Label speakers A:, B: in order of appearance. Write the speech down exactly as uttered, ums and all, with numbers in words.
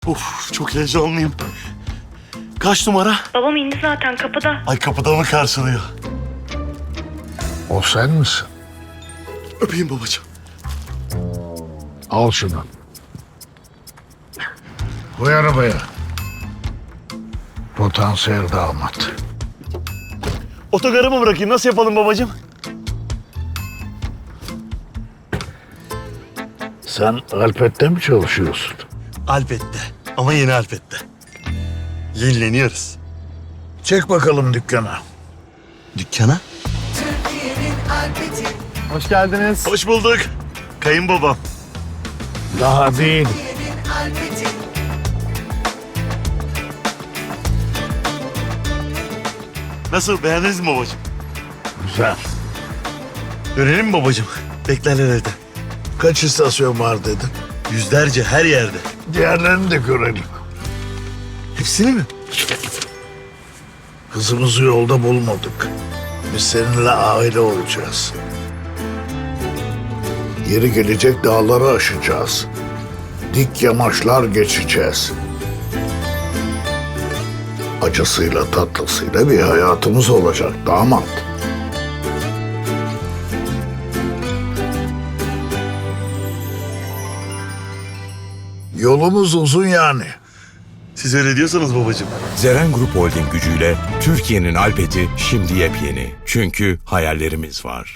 A: Of, çok heyecanlıyım. Kaç numara?
B: Babam indi zaten kapıda.
A: Ay, kapıda mı karşılıyor?
C: O sen misin?
A: Öpeyim babacığım.
C: Al şunu. Koy arabaya. Potansiyel damat.
A: Otogara mı bırakayım? Nasıl yapalım babacığım?
C: Sen Alpet'te mi çalışıyorsun?
A: Alpet'te. Ama yeni Alpet'te. Yenileniyoruz.
C: Çek bakalım dükkana.
A: Dükkana?
D: Hoş geldiniz.
A: Hoş bulduk. Kayınbabam.
C: Daha değil.
A: Nasıl, beğendiniz mi babacığım?
C: Güzel.
A: Dönelim mi babacığım? Beklerler evde.
C: Kaç istasyon var dedin?
A: Yüzlerce, her yerde.
C: Diğerlerini de görelim.
A: Hepsini mi?
C: Kızımızı yolda bulmadık. Biz seninle aile olacağız. Yeri gelecek dağları aşacağız. Dik yamaçlar geçeceğiz. Acısıyla tatlısıyla bir hayatımız olacak damat. Yolumuz uzun yani.
A: Siz öyle diyorsanız babacığım.
E: Zeren Grup Holding gücüyle Türkiye'nin Alpeti şimdi yepyeni. Çünkü hayallerimiz var.